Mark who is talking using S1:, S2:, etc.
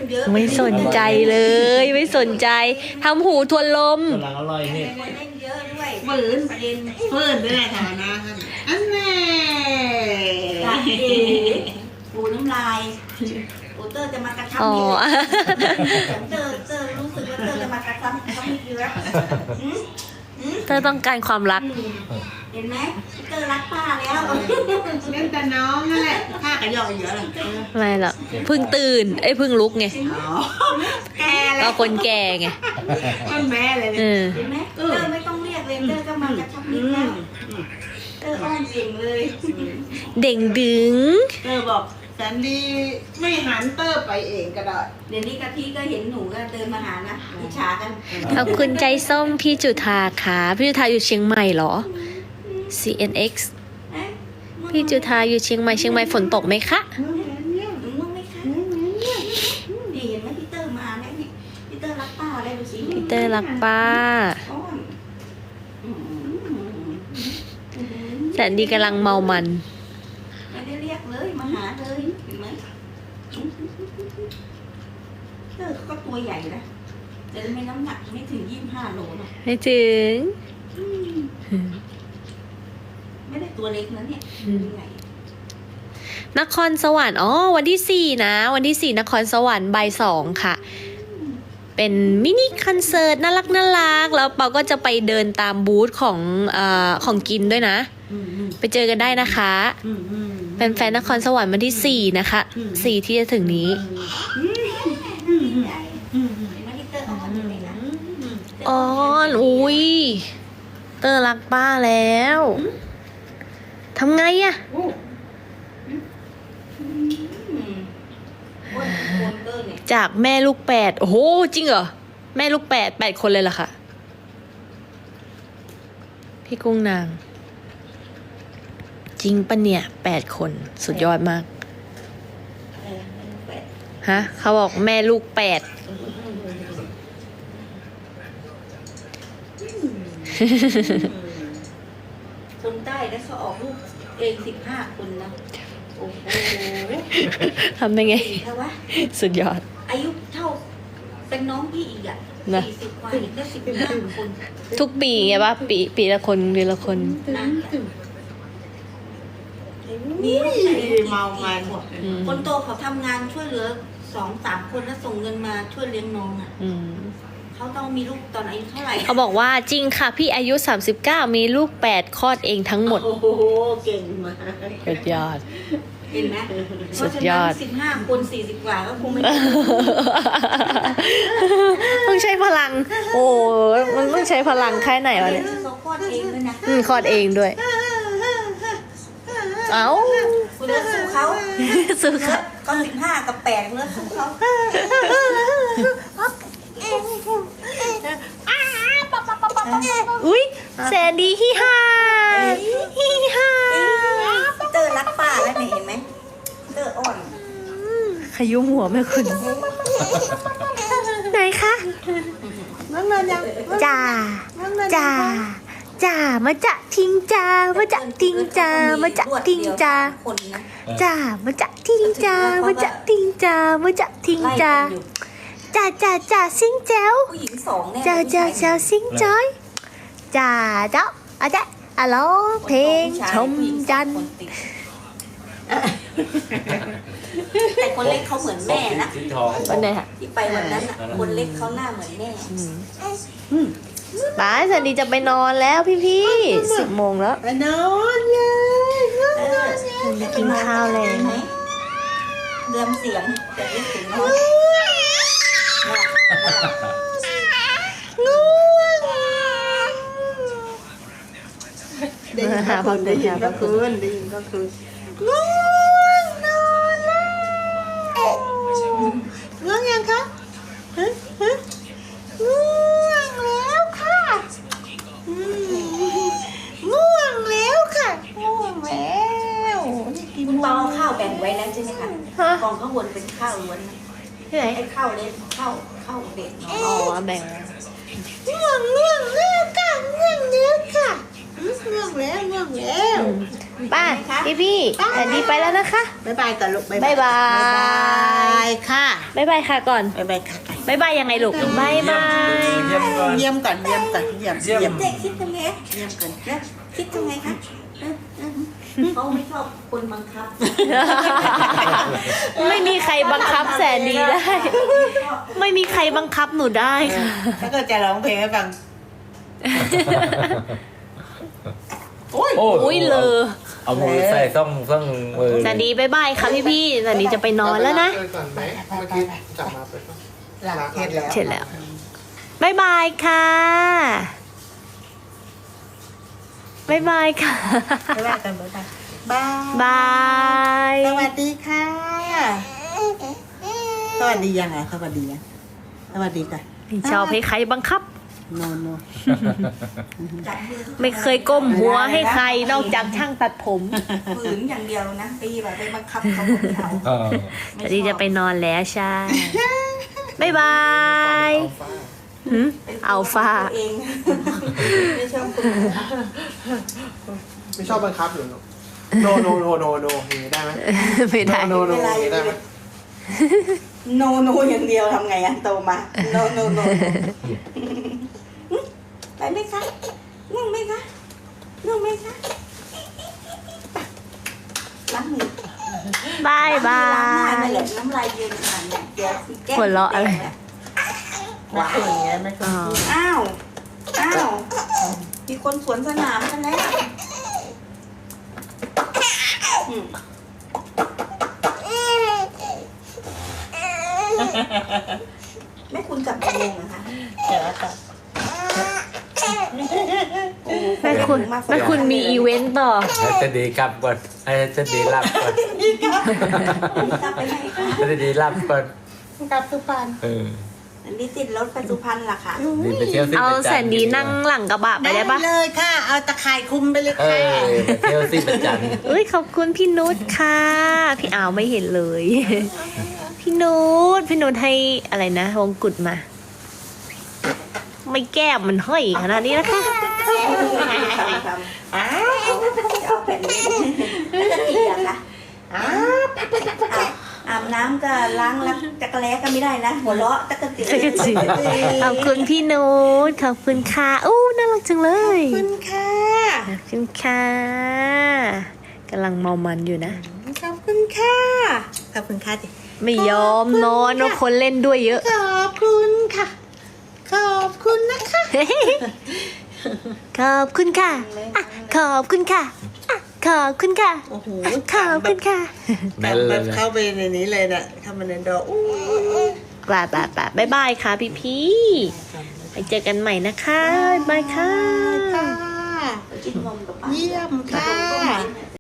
S1: เยอะ
S2: ไม่สนใจเลยไม่สนใจทำหูทวนลม
S3: กำลังอร่อยนี่
S1: เล่นเยอะด้วย
S4: ฝืน
S1: ประเด็น
S4: ฝืนด้วยแหละแถวนะอันแน่
S1: จ้าเอ๋ปูน้ำลายปูเตอร์จะมากระชับ
S2: อ๋อ
S1: นิดเตอร์รู้สึกว่าเตอร์จะมากระชับนิดเยอะ
S2: เธอต้องการความรัก
S1: เห็นไหมเตอร์รักป้าแล้ว
S4: เล่นแต่น้องนั่นแหละข้ากระยอกเยอะเลย
S2: ไม่หรอกเพิ่งตื่นเพิ่งลุกไง
S4: อ๋อแกเล
S2: ก็
S4: ย
S2: คนแก่ไง
S4: มันแม่เลย
S2: เอ
S4: เนี่ย
S2: อ
S1: เห็นไหมเตอร์ไม่ต้องเรียกเลยเตอร์ก็มากระชับนิดแล้วเตอร์อ้อนเก่งเลย
S2: เด่งดึง
S4: เตอร์บอกแสนดีไม่หันเตอร์ไปเองก็ได้
S1: เดี๋ยวนี้กะทิก็เห็นหนูก็เดินมาหานะอิจฉากัน
S2: ขอบคุณใจส้มพี่จุธาค่ะพี่จุธาอยู่เชียงใหม่เหรอ CNX พี่จุธาอยู่เชียงใหม่ฝนตกไหมคะ
S1: หนูง่วงไหมคะนี่เห็นไหมพี่เตอร์มาเนี่ยพี่เตอร์รักป้าได้ดูสิ
S2: พี่เตอร์รักป้า
S1: อ้อน
S2: แสนดีกำลังเมามัน
S1: ไม่ได้เรียกเลยมาหาเลยเห็นไหมเตอร์เขาก็ตัวใหญ่นะแต่ไม่น้ำหนักไม่ถึง25 โลหรอก
S2: ไม่ถึง
S1: ไม่ได้ตัวเล็กนะเนี่ยใหญ่
S2: นครสวรรค์วันที่4นะวันที่4นครสวรรค์บ่าย2ค่ะ เป็นมินิคอนเสิร์ตน่ารักแล้วเปาก็จะไปเดินตามบูธของกินด้วยนะ ไปเจอกันได้นะคะเป็นแฟนนครสวรรค์วันที่4นะคะ4ที่จะถึงนี้
S1: ใหญ่เห็นไหมที่เตอร์อ้อนอยู่เลยนะ
S2: อ๋ออุ้ยเตอร์รักป้าแล้วทำไงอะ
S1: อ้วนเตอร์เนี่ย
S2: จากแม่ลูก8โอ้โหจริงเหรอแม่ลูก8คนเลยเหรอคะพี่กุ้งนางจริงปะเนี่ย8คนสุดยอดมากฮะเขาบอกแม่ลูก8
S1: คนใต้แล้วเขาออกลูกเอง15 คนนะโอ้โห
S2: ทำได้ไง
S1: ดีเท่าวะ
S2: สุดยอด
S1: อายุเท่าเป็นน้องพี่อีกอ่ะ
S2: นะ
S1: 40 กว่าอีกก็15 คน
S2: ทุกปีไงปะปีละคนปีละคน
S1: นะนี่
S4: เมามัน
S1: คนโตเขาทำงานช่วยเหลือ2-3 คนแล้วส่งเงินมาช่วยเลี้ยงน้องอ่ะ
S2: อืม
S1: เขาต้องมีลูกตอนอายุเท่าไหร่
S2: เขาบอกว่าจริงค่ะพี่อายุ39มีลูก8คลอดเองทั้งหมด
S4: โอ้โหเก่งมาก
S2: สุดยอด
S1: เห็นไหม
S2: สุดยอด
S1: เพราะฉะนั้น15 คน40 กว่าก็คงไม่
S2: ต้องใช้พลัง โอ้ยมันต้องใช้พลังแค่ไหนวะเนี่ย
S1: เขาคลอดเองด้วยนะ
S2: คลอดเองด้วย เอ้า
S1: คุณเลือกสู้เขา
S2: สู้ค่ะ
S1: ก็15 กับ8เลือกสู้เขา
S2: อุ๊ยแสนดีฮิฮาฮิฮา
S1: เตอร์รักป้าแล้วเนี่ยเห็นไหมเตอร์อ่อน
S2: ขยุ้มหัวแม่คุณ ไหนคะ
S4: นั่งเงินยัง
S2: จ่าจ่าจ่ามาจะทิ้งจ่ามาจะทิ้งจ่ามาจะทิ้งจ่า
S1: คนนะ
S2: จ่ามาจะทิ้งจ่ามาจะทิ้งจ่ามาจะทิ้ง
S1: ไล่
S2: จ่า
S1: กันอยู่
S2: จ่าซิงแจ๋ว
S1: ผู้หญิง2เนี่ย
S2: จ่าซิงจอยจ่าเจ้าอาจารย์อะโลเพลงชมจันทร์
S1: แต่คนเล็กเขาเหมือนแม่นะ
S3: สีทอง
S2: วันไหนคะ
S1: ที่ไปวันนั้นอ่ะคนเล็กเขาหน้าเหมือนแม่
S2: ป้าสันดีจะไปนอนแล้วพี่10 โมงแล้ว
S4: ไปนอนเลย
S2: ไปกินข้าวแล้ว
S1: ไหมเดิมเสียงแต่ไม่ถึงนอน
S4: ได้ยินก็คืนได้ยินก็คืนได้ยินก็คืนง่วงนอนแล้วง่วงยังคะฮะง่วงแล้วค่ะง่วงแล้วค่ะง่วงแล้วนี่กี่
S1: คุณ
S4: โม
S1: ตอง ข้าวแบ่งไว้แล้วใช่ไหมคะ
S2: ฮะ
S1: กองข้าววนเป็นข้าวล้วนนะ
S2: ที่ไหน
S1: ไอ้ข้าวเล็กข้าวเด็กเนาะ
S2: อ๋อแบ่ง
S4: ง่วงแล้วค่ะง่วงแล้วค่ะง่วงแล้วง่วงแล้ว
S2: ป้าพี่อันนี้ไปแล้วนะคะ
S4: บ๊ายบายก่อนลูก
S2: บ๊ายบาย
S4: บ๊ายบายค่ะ
S2: บ๊ายบายค่ะก่อน
S4: บ๊ายบายค่ะ
S2: บ๊ายบายยังไงลูกบ๊ายบาย
S3: เยี่ยมก่อน
S4: เยี่ยมก่อนเยี่ยมก่อนเยี่ยม
S3: เยี่ยม
S4: เยี่ยม
S1: เด็กคิดยังไง
S4: เยี่ยมก่อน
S1: คิดยังไงคะเขาไม่ชอบคนบังคับ
S2: ไม่มีใครบังคับแสนดีได้ ไม่มีใครบังคับหนูได้ค่ะ
S4: ถ้าเกิดจะร้องเพลงให้ฟังโอ้ย
S2: อุ้ยเลอ
S3: เอามือใส่ต้องมือ
S2: แสนดีบ๊ายบายค่ะพี่แสนดีจะไปนอนแล้วนะ
S5: ก่อนไหมเมื่อกี้จับมาไปป่ะ
S4: หลังเทศแล้ว
S2: เสร็จแล้วบ๊ายบายค่ะบ๊ายบายค่ะ
S4: บ๊ายบายกันบ๊ายบายบาย
S2: บาย
S4: สวัสดีค่ะสวัสดียังไงสวัสดียังสวัสดีกัน
S2: ไม่ชอบให้ใครบังคับ
S4: โนโน
S1: จับมือ
S2: ไม่เคยก้มหัวให้ใครนอกจากช่างตัดผม
S1: ฝืนอย่างเดียวนะตีแบบไปบังคับเขาไม่เอา
S3: เออ
S2: แสนดีจะไปนอนแล้วใช่บ๊ายบาย หืมอัลฟา
S1: ตัวเองไม่ชอบคน
S5: ไม่ชอบบังคับหรือโนโนโนโนโนอย่างนี้ได้ไหม
S2: ไม่ได้
S5: โนโนอย่างนี้ได้ไหม
S1: โนโนอย่างเดียวทำไงอะโตมาโนโนโนไปไหมคะนั่งไหมคะนั่งไหมคะล้างมือบ
S2: ายบา
S1: ล้างหน้
S2: ย
S1: เหลือน้ำลายยืนขนาดเนี้ยเดี๋ยวแก้ม
S2: หัวเราะอะไร
S4: ไม่คุยอย่างเงี้ยไม่คุ
S2: อ๋
S4: ย
S2: อ
S1: อ้าวมีคนสวนสนามกันแล้วอืมแม่คุณกลับกี่โมงนะคะ
S4: เดี๋ยวก่อน
S2: แม่คุณมีอีเวนต์ต่อ
S3: ให้จะดีกลับก่อนให้จะดีรับก่อน
S1: กลับไปไหนคะ
S3: ให้จะดีรับก่อน
S4: กลับสุพรรณ
S3: เออ
S1: อันนี้ติดรถไปสุพรรณล่ะค่ะ
S3: ดีไปเที่ยวสิ
S2: เอา
S3: ประจั
S2: แสนดีนั่งหลังกระบะไปได้ปะ
S4: เลยค่ะ เอาตะข่ายคุมไปเลย
S3: เอ
S4: ค่ะ
S3: อไปเที่ยวสิประจัน
S2: เอ้ยขอบคุณพี่นุชค่ะ พี่อาวไม่เห็นเลย พี่นุชให้อะไรนะวงกุฎมา ไม่แก้มมันห้อยขนาดนี้นะคะ
S4: อ้า
S1: เอาแผ่นนี้จะตีอะค่ะ
S4: อ้า
S1: อาบน้ำก็ล้างแล้วจักรแล้ก็ไม่ได้นะหัวเราะตะกะติ
S2: จักรจี ขอบคุณพี่นุชขอบคุณค่ะอู้น่ารักจังเลย
S4: คุณค่ะ
S2: ขอบคุณค่ะกำลังเมามันอยู่นะ
S4: ขอบคุณค่ะขอบคุณค่ะดิ
S2: ไม่ยอมนอนว่าคนเล่นด้วยเยอะ
S4: ขอบคุณค่ะ ขอบคุณนะคะ
S2: ขอบคุณค่ะอ่ะขอบคุณค่ะอ่ะขอบคุณค่ะ
S4: โอ้โห
S2: อ่ะขอบคุณค่ะ
S3: แน่นเลย
S4: เข้าไปในนี้เลยน่ะเข้ามาในดอกอู้
S2: ป่าบ๊ายบายค่ะพี่ไปเจอกันใหม่นะคะบ๊ายบายค่ะ
S4: ค่ะ
S1: กินนมกับป้า
S4: เยี่ยมค่ะ